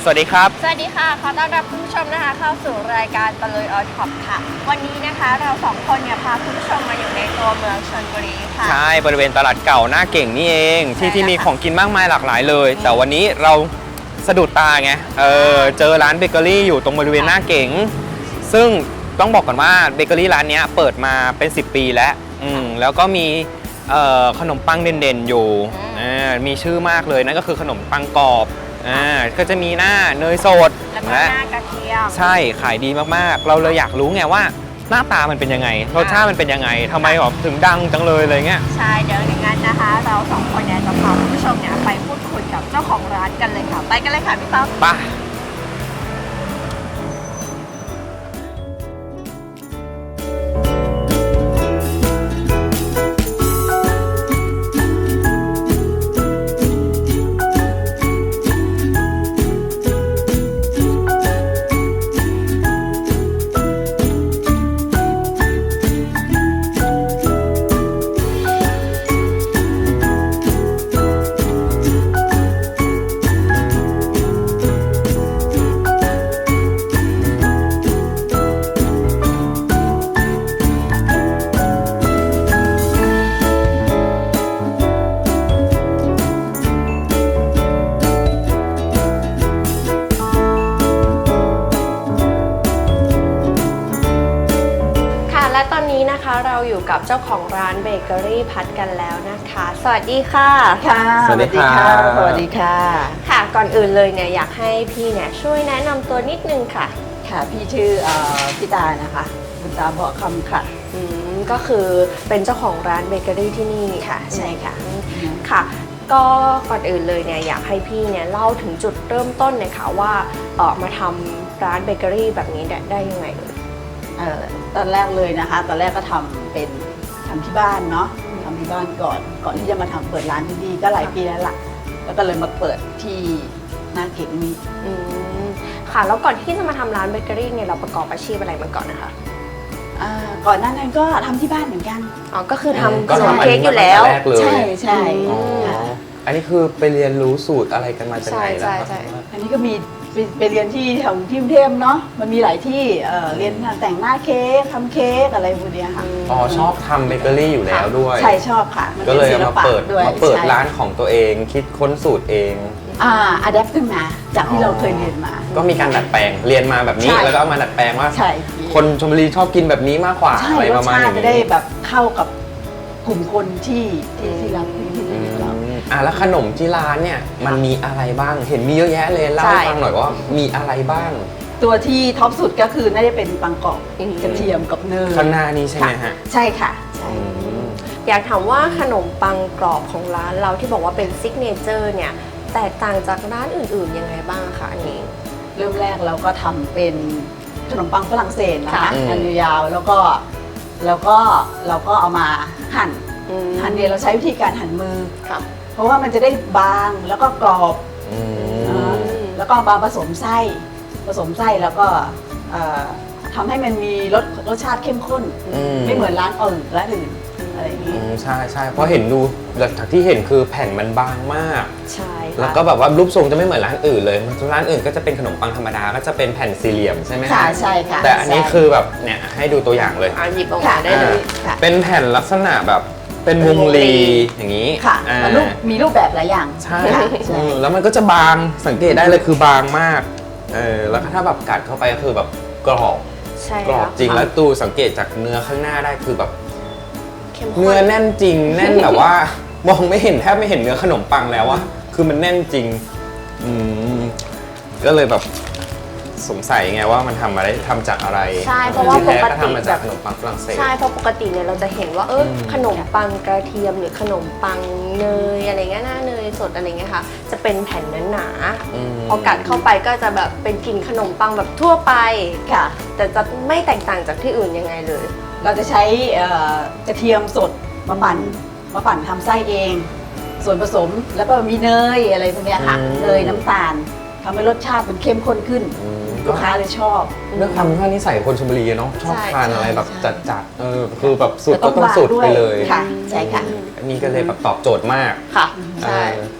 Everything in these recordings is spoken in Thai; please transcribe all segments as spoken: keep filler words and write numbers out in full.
สวัสดีครับสวัสดีค่ะขอต้อนรับคุณผู้ชมนะคะเข้าสู่รายการตะลุยออนท็อปค่ะวันนี้นะคะเราสองคนเนี่ยพาคุณผู้ชมมาอยู่ในตัวเมืองชลบุรีค่ะใช่บริเวณตลาดเก่าหน้าเก่งนี่เองที่ที่มีของกินมากมายหลากหลายเลยแต่วันนี้เราสะดุดตาไงเออเจอร้านเบเกอรี่อยู่ตรงบริเวณหน้าเก่งซึ่งต้องบอกก่อนว่าเบเกอรี่ร้านนี้เปิดมาเป็นสิบปีแล้วอืมแล้วก็มีขนมปังเด่นๆอยู่มีชื่อมากเลยนั่นก็คือขนมปังกรอบอ่าก็จะมีหน้าเนยสดแล้วก็หน้ากระเทียมใช่ขายดีมากๆเราเลยอยากรู้ไงว่าหน้าตามันเป็นยังไงรสชาติมันเป็นยังไงทำไมแบบถึงดังจังเลยอะไรเงี้ยใช่เดี๋ยวอย่างนั้นนะคะเราสองคนเนี่ยจะพาคุณผู้ชมเนี่ยไปพูดคุยกับเจ้าของร้านกันเลยค่ะไปกันเลยค่ะพี่ต๊อบไปตอนนี้นะคะเราอยู่กับเจ้าของร้านเบเกอรี่พัดกันแล้วนะคะสวัสดีค่ะค่ะสวัสดีค่ะสวัสดีค่ะค่ะก่อนอื่นเลยเนี่ยอยากให้พี่เนี่ยช่วยแนะนำตัวนิดนึงค่ะค่ะพี่ชื่อพี่ตานะคะบุญตาเบาะคำค่ะอืมก็คือเป็นเจ้าของร้านเบเกอรี่ที่นี่ค่ะใช่ค่ะค่ะก็ก่อนอื่นเลยเนี่ยอยากให้พี่เนี่ยเล่าถึงจุดเริ่มต้นเนี่ยค่ะว่าเออมาทำร้านเบเกอรี่แบบนี้ได้ยังไงเออตอนแรกเลยนะคะตอนแรกก็ทำเป็นทำที่บ้านเนาะทำที่บ้านก่อนก่อนที่จะมาทำเปิดร้านที่นี่ก็หลายปีแล้วล่ะแล้วก็เลยมาเปิดที่หน้าเก่งนี้อืมค่ะแล้วก่อนที่จะมาทำร้านเบเกอรี่เนี่ยเราประกอบอาชีพอะไรมาก่อนนะคะอ่าก่อนหน้านั้นก็ทำที่บ้านเหมือนกันอ๋อก็คือทำขนมเค้กอยู่แล้วใช่ใช่อันนี้คือไปเรียนรู้สูตรอะไรกันมาจากไหนแล้วอันนี้ก็มีไปเรียนที่แถวที่กรุงเทพเนาะมันมีหลายที่เรียนแต่งหน้าเค้กทำเค้กอะไรพวกนี้ค่ะอ๋อชอบทำเบเกอรี่อยู่แล้วด้วยใช่ชอบค่ะก็เลยมาเปิดมาเปิดร้านของตัวเองคิดค้นสูตรเองอ่าอัดแอปขึ้นมาจากที่เราเคยเรียนมาก็มีการดัดแปลงเรียนมาแบบนี้แล้วก็เอามาดัดแปลงว่าคนชลบุรีชอบกินแบบนี้มากกว่าอะไรประมาณนี้จะได้แบบเข้ากับกลุ่มคนที่ที่ที่รักที่เราอ่ะแล้วขนมที่ร้านเนี่ยมันมีอะไรบ้างเห็นมีเยอะแยะเลยเล่าให้ฟังหน่อยว่ามีอะไรบ้างตัวที่ท็อปสุดก็คือน่าจะเป็นปังกรอบกระเทียมกับเนยข้างหน้านี้ใช่ไหมฮะใช่ค่ะใช่อยากถามว่าขนมปังกรอบของร้านเราที่บอกว่าเป็นซิกเนเจอร์เนี่ยแตกต่างจากร้านอื่นๆยังไงบ้างคะอันนี้เริ่มแรกเราก็ทำเป็นขนมปังฝรั่งเศสนะคะหั่นยาวๆแล้วก็แล้วก็เราก็เอามาหั่นหั่นเนี่ยเราใช้วิธีการหั่นมือเพราะว่ามันจะได้บางแล้วก็กรอบแล้วก็มาผสมไส้ผสมไส้แล้วก็ทำให้มันมีรสรสชาติเข้มข้นไม่เหมือนร้านอื่นร้านอื่นอะไรอย่างนี้ใช่ใช่เพราะเห็นดูจากที่เห็นคือแผ่นมันบางมากใช่แล้วก็แบบว่ารูปทรงจะไม่เหมือนร้านอื่นเลยร้านอื่นก็จะเป็นขนมปังธรรมดาก็จะเป็นแผ่นสี่เหลี่ยมใช่ไหมค่ะใช่ค่ะแต่อันนี้คือแบบเนี่ยให้ดูตัวอย่างเลยหยิบออกมาได้เลยเป็นแผ่นลักษณะแบบเป็นวงรีอย่างนี้ค่ะมันมีรูปแบบหลายอย่างใช่แล้วมันก็จะบางสังเกตได้เลยคือบางมากเออแล้วถ้าแบบกัดเข้าไปก็คือแบบกรอบกรอบจริงแล้วตูสังเกตจากเนื้อข้างหน้าได้คือแบบเนื้อแน่นจริงแน่นแบบว่ามองไม่เห็นแทบไม่เห็นเนื้อขนมปังแล้วอะคือมันแน่นจริงอืมก็เลยแบบสงสัยไงว่ามันทำมาได้ทำจากอะไรใช่เพราะว่าปกติทำมาจากขนมปังฝรั่งเศสใช่เพราะปกติเนี่ยเราจะเห็นว่าเออขนมปังกระเทียมหรือขนมปังเนยอะไรเงี้ยหน้าเนยสดอะไรเงี้ยค่ะจะเป็นแผ่นหนาๆพอกัดเข้าไปก็จะแบบเป็นกลิ่นขนมปังแบบทั่วไปค่ะแต่จะไม่แตกต่างจากที่อื่นยังไงเลยเราจะใช้กระเทียมสดมาปั่นมาปั่นทำไส้เองส่วนผสมแล้วก็มีเนยอะไรพวกนี้ค่ะเนยน้ำตาลทำให้รสชาติมันเข้มข้นขึ้นลูกค้าเลยชอบเรื่องความที่นิสัยคนชลบุรีเนาะชอบทานอะไรแบบจัดๆเออคือแบบสูตรก็ต้องสูตรไปเลยค่ะใช่ค่ะอันนี้ก็เลยแบบตอบโจทย์มากค่ะใช่แ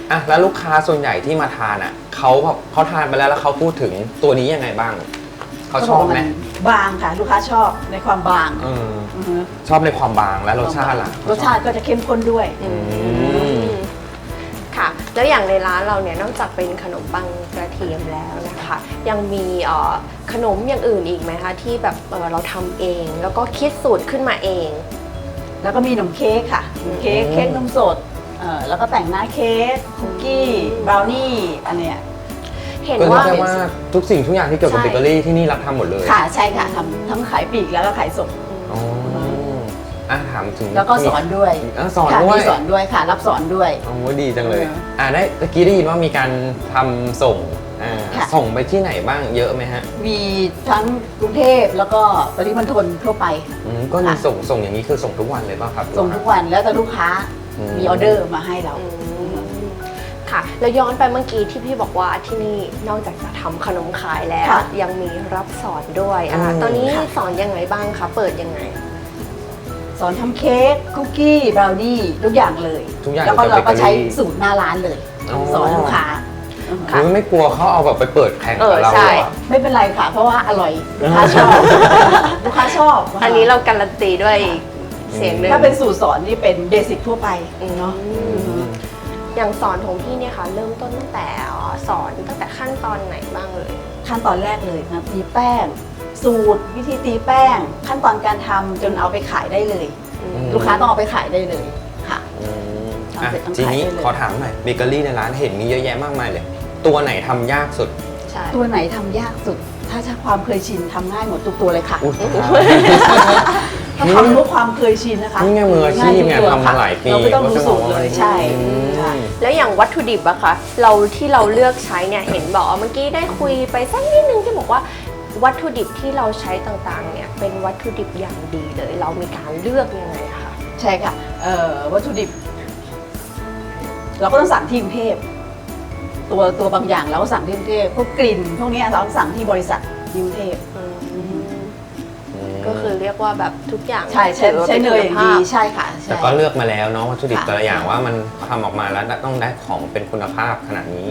อ่ะแล้วลูกค้าส่วนใหญ่ที่มาทานอ่ะเขาแบบเขาทานไปแล้วแล้วเขาพูดถึงตัวนี้ยังไงบ้างเขาชอบไหมบางค่ะ ลูกค้าชอบในความบางเอออือฮึชอบในความบางและรสชาติล่ะรสชาติก็จะเข้มข้นด้วยอืมค่ะ แล้วอย่างในร้านเราเนี่ยนอกจากเป็นขนมปังกระเทียมแล้วนะคะ ยังมีเอ่อขนมอย่างอื่นอีกไหมคะที่แบบเอ่อเราทำเอง แล้วก็คิดสูตรขึ้นมาเองแล้วก็มีขนมเค้กค่ะขนมเค้กอืมเค้กนมสดเอ่อแล้วก็แต่งหน้าเค้กคุกกี้บราวนี่อันเนี้ยเห็นก็เรียว่ากได้ว่าทุกสิ่งทุกอย่างที่เกี่ยวกับใช่เบเกอรี่ที่นี่รับทำหมดเลยค่ะใช่ค่ะทำทั้งขายปลีกแล้วก็ขายส่งอ๋ออ่ะถามถึงแล้วก็สอนด้วยอ่ะสอนค่ะด้วยมีสอนด้วยค่ะ รับสอนด้วยโอ้ดีจังเลยเอออ่าได้ตะกี้ได้ยินว่ามีการทำส่งอ่าค่ะส่งไปที่ไหนบ้างเยอะไหมฮะมีทั้งกรุงเทพแล้วก็ปริมณฑลทั่วไปอืมก็มีค่ะส่งส่งอย่างนี้คือส่งทุกวันเลยป่ะครับส่งทุกวันแล้วแต่ลูกค้าอืมมีออเดอร์มาให้เราอืมค่ะ แล้วย้อนไปเมื่อกี้ที่พี่บอกว่าที่นี่นอกจากจะทำขนมขายแล้วค่ะยังมีรับสอนด้วยอ่ะอืมตอนนี้ค่ะสอนยังไงบ้างคะ เปิดยังไงสอนทำเค้กคุกกี้บราวนี่ทุกอย่างเลยทุกอย่างแล้วก็เกี่ยวกับเราก็ใช้เบเกอรี่สูตรหน้าร้านเลยอ๋อสอนลูกค้าค่ะคือไม่กลัวเขาเอาแบบไปเปิดแข่งเอกับอเราใช่เหรอไม่เป็นไรค่ะ เพราะว่าอร่อยลูกค้าชอบ ลูกค้าชอบอันนี้เราการันตีด้วยอีกเสียงหนึ่งถ้าเป็นสูตรสอนนี่เป็นเบสิกทั่วไปเนาะอย่างสอนของพี่เนี่ยค่ะ เริ่มต้นตั้งแต่อ๋อสอนตั้งแต่ขั้นตอนไหนบ้างเลยขั้นตอนแรกเลยนะตีแป้ง สูตรวิธีตีแป้ง ขั้นตอนการทำจนเอาไปขายได้เลยมลูกค้าต้องเอาไปขายได้เลยค่ะอืมทำอ่ะเสร็จต้องทีนี้ขายได้เลยขอถามหน่อยเบเกอรี่ในร้านเห็นมีเยอะแยะมากมายเลย ตัวไหนทำยากสุดใช่ตัวไหนทำยากสุด ถ้าใช้ความเคยชินทำง่ายหมดทุกตัวเลยค่ะอุ๊ยถ้าทำด้วยความเคยชินนะคะนี่ไงมืออาชีพไงง่ทุกตัวทำมาหลายปีเราไม่ต้องดูสูตรเลยใช่อืมใช่แล้วอย่างวัตถุดิบอะคะเราที่เราเลือกใช้เนี่ยเห็นบอกว่าเมื่อกี้ได้คุยไปสักนิดนึงที่บอกว่าวัตถุดิบที่เราใช้ต่างๆเนี่ยเป็นวัตถุดิบอย่างดีเลย เรามีการเลือกยังไงคะใช่ค่ะเอ่อวัตถุดิบ เราก็ต้องสั่งที่กรุงเทพตัวตัวบางอย่างเราก็สั่งที่กรุงเทพพวกกลิ่นพวกเนี้ยเราสั่งที่บริษัทที่กรุงเทพก็คือเรียกว่าแบบทุกอย่างใช่ใช่ถือว่าใช่ป็เนยอย่างคุณดีภาพใช่ค่ะใช่แต่ก็เลือกมาแล้วเนาะวัตถุดิบค่ะแต่ละอย่างว่ามันทำออกมาแล้วต้องได้ของเป็นคุณภาพขนาดนี้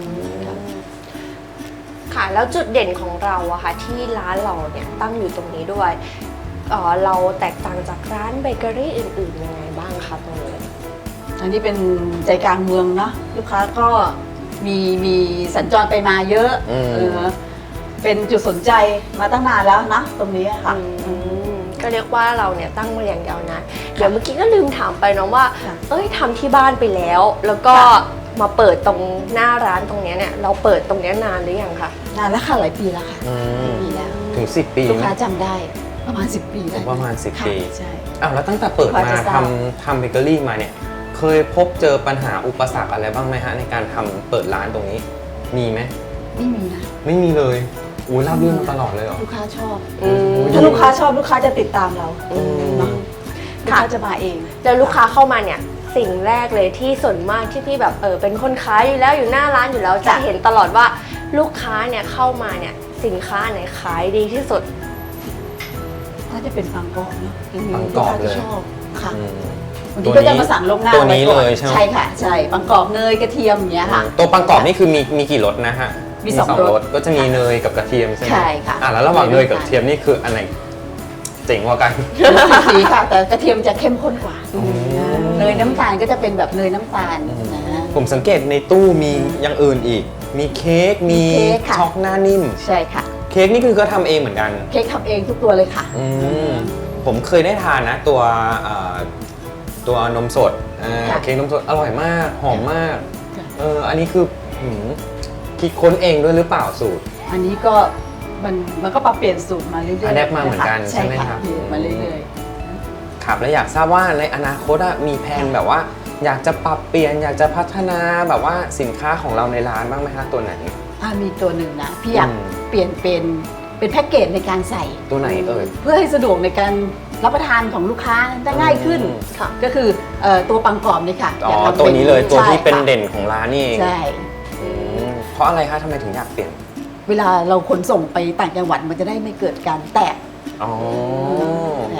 ค่ะแล้วจุดเด่นของเราอะค่ะที่ร้านเราเนี่ยตั้งอยู่ตรงนี้ด้วยเอ่อเราแตกต่างจากร้านเบเกอรี่อื่นๆยังไงบ้างคะตรงนี้อันนี้เป็นใจกลางเมืองเนาะลูกค้าก็มีมีสัญจรไปมาเยอะอืมเออเป็นจุดสนใจมาตั้งนานแล้วนะตรงนี้ค่ะอืมก็เรียกว่าเราเนี่ยตั้งมาอย่างยาวนานเดี๋ยวเมื่อกี้ก็ลืมถามไปเนาะว่าค่ะเอ้ยทำที่บ้านไปแล้ว แล้วก็ค่ะมาเปิดตรงหน้าร้านตรงเนี้ยเนี่ยเราเปิดตรงเนี้ยนานหรือยังคะนานแล้วค่ะหลายปีแล้วค่ะอืมปีแล้วถึงสิบปีลูกไหมค้าจำได้ประมาณสิบปีได้ประมาณสิบค่ะปีใช่อ้าวแล้วตั้งแต่เปิดพอมาจะทราบทำทำเบเกอรี่มาเนี่ย เคยพบเจอปัญหาอุปสรรคอะไรบ้างไหมฮะในการทำเปิดร้านตรงนี้ มีไหมไม่มีนะไม่มีเลยอุ้ยราบรื่นมาตลอดเลยเหรอลูกค้าชอบอืมถ้าลูกค้าชอบลูกค้าจะติดตามเราอืมเนาะลูกค่ะค้าจะมาเองแล้วลูกค้าเข้ามาเนี่ยสิ่งแรกเลยที่ส่วนมากที่พี่แบบเออเป็นคนขายอยู่แล้วอยู่หน้าร้านอยู่แล้วจะจ้ะเห็นตลอดว่าลูกค้าเนี่ยเข้ามาเนี่ยสินค้าไหนขายดีที่สุดถ้าจะเป็นปังกรอบเนาะปังกรอบเลยลูค้าจะชอบค่ะอืมบางทีก็จะมาสั่งลวงหน้าตัวนี้ไก่อเลยใช่ไหมใช่ค่ะ ใช่ปังกรอบเนยกระเทียมอย่างเงี้ยค่ะตัวปังกรอบนี่คือมีมีกี่รสนะฮะมีสองรสก็จะมีเนยกับกระเทียมใช่ไหมใช่ค่ะอ่ะแล้วระหว่างเนยกับกระเทียมนี่คืออันไหนเจ๋งกว่ากันสีค่ะ แต่กระเทียมจะเข้มข้นกว่าอืมเนยน้ำตาลก็จะเป็นแบบเนยน้ำตาลอืมนะฮะผมสังเกตในตู้มีอย่างอื่นอีก มีเค้ก มีมีเค้กค่ะช็อกหน้านิ่มใช่ค่ะเค้กนี่คือก็ทำเองเหมือนกันเค้กทำเองทุกตัวเลยค่ะอืมผมเคยได้ทานนะตัวเอ่อตัวนมสดอ่าค่ะเค้กนมสดอร่อยมาก หอมมากค่ะเอออันนี้คือหืมคิดค้นเองด้วยหรือเปล่าสูตรอันนี้ก็มันมันก็ปรับเปลี่ยนสูตรมาเรื่อยๆ Adapt มาเหมือนกันนะคะใช่ไหมครับเปลี่ยนมาเรื่อยครับและอยากทราบว่าในอนาคตอะมีแผนแบบว่า อยากจะปรับเปลี่ยน อยากจะพัฒนาแบบว่าสินค้าของเราในร้านบ้างไหมฮะตัวไหนๆถ้ามีตัวหนึ่งนะพี่อยากอืมเปลี่ยนเป็นเป็นแพ็กเกจในการใส่ตัวไหนเอ่ยเพื่อให้สะดวกในการรับประทานของลูกค้าได้ง่ายขึ้นอืมค่ะก็คือเอ่อตัวปังกรอบนี่ค่ะอ๋ออยากทำตัวนี้เลยตัวที่ใช่เป็นค่ะเด่นของร้านนี่เองใช่อืมเพราะอะไรคะทำไมถึงอยากเปลี่ยนเวลาเราขนส่งไปต่างจังหวัดมันจะได้ไม่เกิดการแตกอ๋อแตก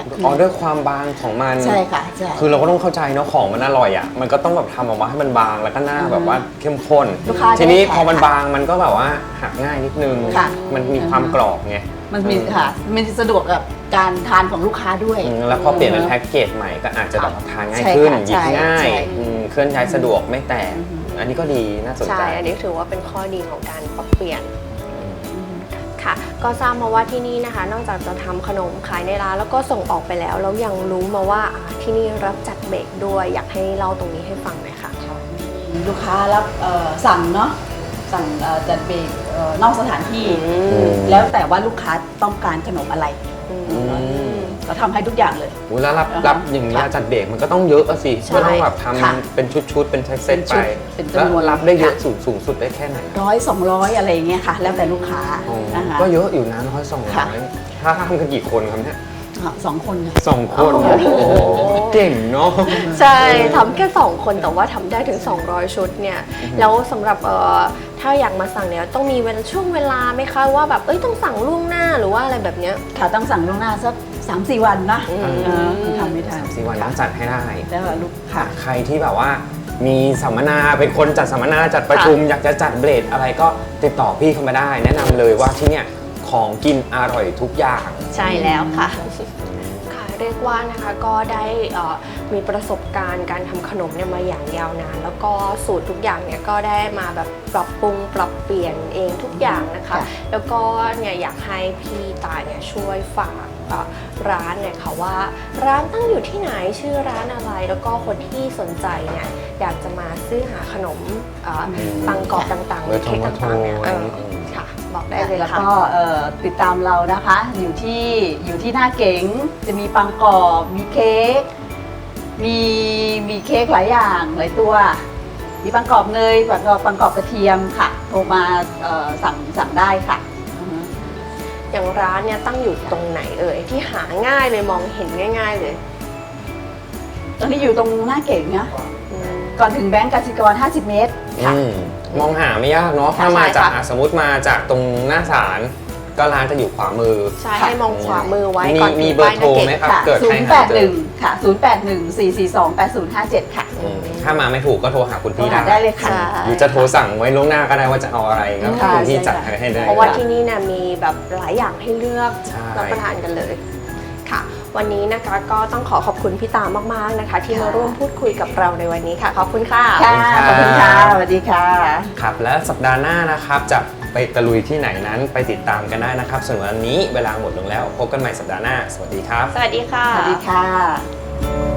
อ๋อด้วยความบางของมันใช่ค่ะใช่คือเราก็ต้องเข้าใจเนาะของมันอร่อยอ่ะมันก็ต้องแบบทำออกมาให้มันบางแล้วก็หน้าแบบว่าเข้มข้นลูกค้าทีนี้จะได้พอมันแขกบางมันก็แบบว่าหักง่ายนิดนึงค่ะมันมีความกรอบไงมันมีค่ะมันสะดวกกับการทานของลูกค้าด้วยอืมแล้วพอเปลี่ยนเป็นแพ็กเกจใหม่ก็อาจจะแบบทานง่ายใช่ขึ้นค่ะหยิบใช่ง่ายใช่อืมเคลื่อนย้ายสะดวกไม่แตกอันนี้ก็ดีน่าสนใจใช่ อันนี้ถือว่าเป็นข้อดีของการปรับเปลี่ยนค่ะ ก็ทราบมาว่าที่นี่นะคะ นอกจากจะทำขนมขายในร้านแล้วก็ส่งออกไปแล้วแล้วยังรู้มาว่าอ่าที่นี่รับจัดเบรกด้วย อยากให้เล่าตรงนี้ให้ฟังหน่อยค่ะลูกค้ารับเอ่อสั่งเนาะสั่งเอ่อจัดเบรกเอ่อนอกสถานที่อืมแล้วแต่ว่าลูกค้าต้องการขนมอะไรอืมมเราทำให้ทุกอย่างเลยโอ้แล้วรับอ่าฮะรับอย่างนี้ยค่ะจัดเบรกมันก็ต้องเยอะอะสิใช่ก็ต้องแบบทค่ะำเป็นชุดๆเป็นเซตเป็นๆชุไปดเป็นแล้วจำนวนรับได้เยอะค่ะสูงสูงสุดได้แค่ไหนร้อยสองร้อยอะไรอย่างเงี้ยค่ะ แล้วแต่ลูกค้าอ๋อนะคะก็เยอะอยู่นะร้อยสองร้ค่ะอยถ้าทำกันกี่คนครับเนี่ยอ่ะสองคนค่ะสองคนโอ้โหโอ้โหเก่งเนาะใช่ทำแค่ สอง คนแต่ว่าทำได้ถึง สองร้อย ชุดเนี่ย แล้วสำหรับเอ่อถ้าอยากมาสั่งเนี่ยต้องมีเวลาช่วงเวลาไหมคะว่าแบบเอ้ยต้องสั่งล่วงหน้าหรือว่าอะไรแบบเนี้ยค่ะต้องสั่งล่วงหน้าสักสามสี่วันนะอืมเออทำไม่ทันสี่วันต้องจัดให้ได้แล้วลูกค่ะใครที่แบบว่ามีสัมมนาเป็นคนจัดสัมมนาจัดประชุม อยากจะจัดเบรดอะไรก็ติดต่อพี่เข้ามาได้ แนะนำเลยว่าที่เนี่ยของกินอร่อยทุกอย่างใช่แล้วค่ะ ค่ะเรียกว่านะคะก็ได้เอ่อมีประสบการณ์การทำขนมเนี่ยมาอย่างยาวนาน แล้วก็สูตรทุกอย่างเนี่ยก็ได้มาแบบปรับปรุงปรับเปลี่ยนเองทุกอย่างนะคะค่ะแล้วก็เนี่ยอยากให้พี่ตายเนี่ยช่วยฝากเอ่อร้านเนี่ยค่ะว่าร้านตั้งอยู่ที่ไหนชื่อร้านอะไร แล้วก็คนที่สนใจเนี่ยอยากจะมาซื้อหาขนมเอ่อปังกรอบต่างๆหรือเค้กต่างๆเนี่ยเออค่ะบอกได้เลยแล้วค่ะก็เอ่อติดตามเรานะคะ อยู่ที่อยู่ที่หน้าเก๋งจะมีปังกรอบมีเค้กมีมีเค้กหลายอย่างหลายตัว มีปังกรอบเนยปังกรอบปังกรอบกระเทียมค่ะโทรมาเอ่อสั่งสั่งได้ค่ะอือฮึอย่างร้านเนี่ยตั้งอยู่ตรงไหนเอ่ยที่หาง่ายเลยมองเห็นง่าย ๆเลยตอนนี้อยู่ตรงหน้าเก๋งนะอืมก่อนถึงแบงก์กสิกรห้าสิบเมตรค่ะอืมมองหาไม่ยากเนาะค่ะถ้ามาใช่จากค่ะอ่ะสมมติมาจากตรงหน้าศาลก็ร้านจะอยู่ขวามือใช่ให้มองขวามือไว้มีก่อนมีถึงเบอร์ป้ายโทรนาเกไหมตครับค่ะเกิดศูใครนย์หาแปดเจหอนึ่งค่ะศูนย์แปดหนึ่งสี่สี่สองแปดศูนย์ห้าเจ็ดค่ะอืมถ้ามาไม่ถูกก็โทรหาคุณพี่โทรได้หาได้เลยค่ะใช่หรือจะโทรสั่งไว้ล่วงหน้าก็ได้ว่าจะเอาอะไรก็ค่ะคุณพี่ใช่จัดค่ะให้ได้เพราะว่าที่นี่เนี่ยมีแบบหลายอย่างให้เลือกใช่รับประทานกันเลยค่ะ วันนี้นะคะก็ต้องขอขอบคุณพี่ตามากๆนะคะ ที่มาร่วมพูดคุยกับเราในวันนี้ค่ะขอบคุณค่ะค่ะขอบคุณค่ะสวัสดีค่ะครับและสัปดาห์หน้านะครับจะไปตะลุยที่ไหนนั้นไปติดตามกันได้นะครับส่วนวันนี้เวลาหมดลงแล้วพบกันใหม่สัปดาห์หน้าสวัสดีครับสวัสดีค่ะสวัสดีค่ะ